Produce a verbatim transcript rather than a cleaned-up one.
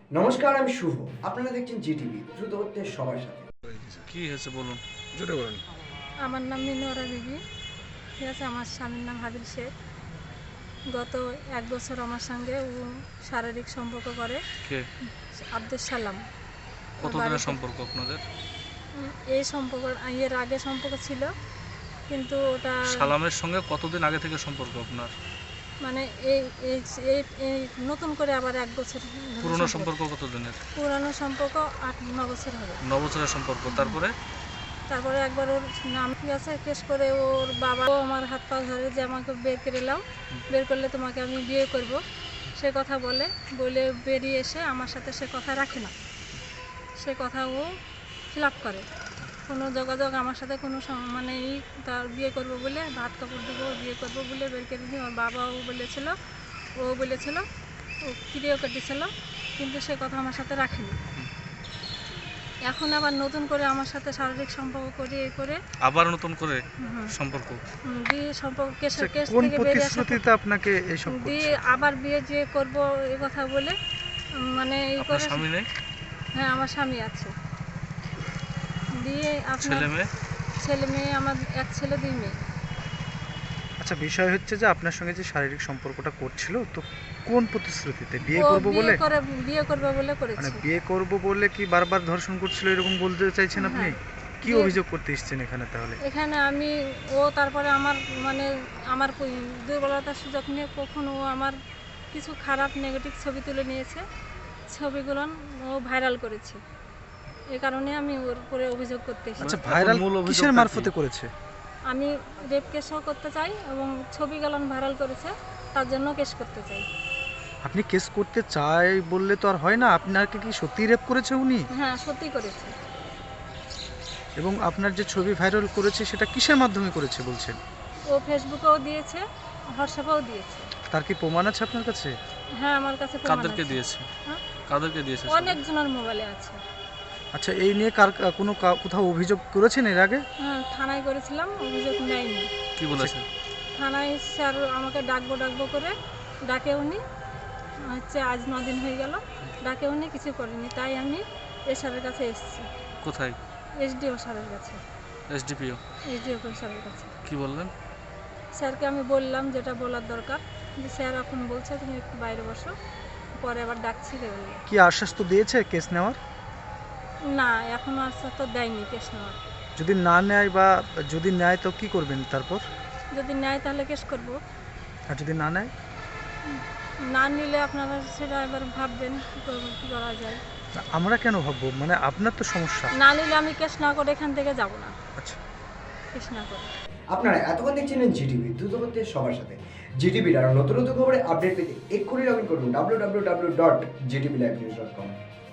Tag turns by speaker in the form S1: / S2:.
S1: নমস্কার, আমি শুভ। আপনারা দেখছেন জিটিভি, দ্রুত হচ্ছে সবার সাথে।
S2: কি হয়েছে বলুন, জোরে বলুন।
S3: আমার নাম মিনোরা বিবি, ঠিক আছে। আমার স্বামীর নাম হাবিল শেখ। গত এক বছর আমার সঙ্গে ও শারীরিক সম্পর্ক করে।
S2: কে?
S3: আব্দুল সালাম।
S2: কতদিনের সম্পর্ক আপনাদের?
S3: উম, এই সম্পর্ক এর আগে সম্পর্ক ছিল, কিন্তু ওটা
S2: সালামের সঙ্গে কতদিন আগে থেকে সম্পর্ক আপনার?
S3: মানে এই এই এই- এই নতুন করে আবার এক বছর ধরে
S2: পুরনো
S3: সম্পর্ক।
S2: সম্পর্ক কতদিনের?
S3: পুরানো সম্পর্ক আট ন বছর হবে।
S2: ন বছরের সম্পর্ক। তারপরে
S3: তারপরে একবার ওর নাম ঠিক আছে কেস করে ওর বাবা ও আমার হাত পা ধরে যে আমাকে বের করে নাও, বের করলে তোমাকে আমি বিয়ে করব, সে কথা বলে বলে বেরিয়ে এসে আমার সাথে সে কথা রাখে না। সে কথা ও খিলাপ করে, কোনো যোগাযোগ আমার সাথে কোনো সম- মানে এই তার বিয়ে করব বলে ভাত কাপড় দেবো বিয়ে করব বলে বের করে দিয়ে ওর বাবাও বলেছিল, ও বলেছিল, ও ক্রিয়াও কেটেছিল, কিন্তু সে কথা আমার সাথে রাখেনি। এখন আবার নতুন করে আমার সাথে শারীরিক সম্পর্ক করে এ করে
S2: আবার নতুন করে
S3: হুম,
S2: সম্পর্ক।
S3: হুম, দিয়ে সম্পর্ক কেস
S4: আচ্ছা,
S3: কেস
S4: কোন
S3: থেকে বেরিয়ে আসা
S4: প্রতিশ্রুতিতে আপনাকে এইসব
S3: দিয়ে
S4: করছে?
S3: আবার বিয়ে যে করব এ কথা বলে উম, মানে এই
S2: আপনার
S3: করে।
S2: স্বামী নেই?
S3: হ্যাঁ, আমার স্বামী আছে। দিয়ে আপনার
S2: ছেলে মেয়ে?
S3: ছেলে মেয়ে আমার এক ছেলে দুই মেয়ে।
S4: আচ্ছা, বিষয় হচ্ছে যে আপনার সঙ্গে যে শারীরিক সম্পর্কটা করছিল, তো কোন প্রতিশ্রুতিতে? বিয়ে
S3: ও
S4: করব
S3: বিয়ে
S4: বলে?
S3: করে বিয়ে করবে বলে
S4: মানে
S3: করেছে।
S4: বিয়ে করব বলে কি বারবার ধর্ষণ করছিল এরকম বলতে চাইছেন আপনি?
S3: হ্যাঁ।
S4: কি
S3: বিয়ে-
S4: অভিযোগ করতে এসেছেন এখানে তাহলে?
S3: এখানে আমি ও তারপরে আমার মানে আমার কই- দুর্বলতার সুযোগ নিয়ে কখনো ও আমার কিছু খারাপ নেগেটিভ ছবি তুলে নিয়েছে, ছবিগুলো ও ভাইরাল করেছে। এই কারণে আমি ওর উপরে অভিযোগ করতে এসেছি।
S4: আচ্ছা,
S2: এখন
S4: ভাইরাল
S2: মূল অভিযোগটা
S4: কিসের
S2: কি?
S4: মারফতে করেছে?
S3: আমি রেপ কেসও করতে চাই এবং ছবি গেলান ভাইরাল করেছে, তার জন্য কেস করতে চাই।
S4: আপনি কেস করতে চাই বললে তো আর হয় না। আপনাকে কি সত্যি রেপ করেছে উনি?
S3: হ্যাঁ, সত্যি করেছে।
S4: এবং আপনার যে ছবি ভাইরাল করেছে সেটা কিসের মাধ্যমে করেছে বলছেন?
S3: ও ফেসবুকেও দিয়েছে, হোয়াটসঅ্যাপেও দিয়েছে।
S4: তার কি প্রমাণ আছে আপনার কাছে?
S3: হ্যাঁ, আমার কাছে প্রমাণ
S2: কাদেরকে
S3: আছে।
S2: দিয়েছে?
S3: হ্যাঁ?
S2: কাদেরকে দিয়েছে?
S3: অনেকজনের মোবাইলে আছে।
S4: আচ্ছা, এই নিয়ে কার কোনো কা- কোথাও অভিযোগ করেছেন এর আগে?
S3: হ্যাঁ, থানায় করেছিলাম, অভিযোগ নেয়নি।
S2: কি বলেছে?
S3: থানায় স্যার আমাকে ডাকবো ডাকবো করে ডাকে উনি, হচ্ছে আজ ন দিন হয়ে গেল, ডাকে উনি কিছু করেনি। তাই আমি এ স্যারের কাছে এসেছি,
S2: কোথায়?
S3: এসডিও স্যারের কাছে।
S2: এসডিপিও?
S3: এসডিও স্যারের কাছে
S2: কি বললেন?
S3: স্যারকে আমি বললাম যেটা বলার দরকার, যে স্যার এখন বলছে তুমি একটু বাইরে বসো, পরে আবার ডাকছি দেবেন।
S4: কি আশ্বাস তো দিয়েছে কেস নেওয়ার?
S3: না, এখনও আশ্বাস তো দেয়নি কেস নেওয়ার।
S4: যদি না নেয় বা যদি নেয় তো কি করবেন তারপর?
S3: যদি নেয় তাহলে কেস করব,
S4: আর যদি না নেয়?
S3: না নিলে আপনারা সেটা এবার ভাববেন কী করবেন, কী করা যায়।
S4: আমরা কেন ভাববো? মানে আপনার তো সমস্যা।
S3: না নিলে আমি কেস না করে এখান থেকে যাব না,
S4: আচ্ছা,
S3: কেস না করে।
S1: আপনারা এতক্ষণ দেখছিলেন জিটিভি, দ্রুত হচ্ছে সবার সাথে। জিটিভির আরও নতুন নতুন খবরে আপডেট পেতে এক্ষুনি লগ ইন করুন W W W dot GTV live news dot কম।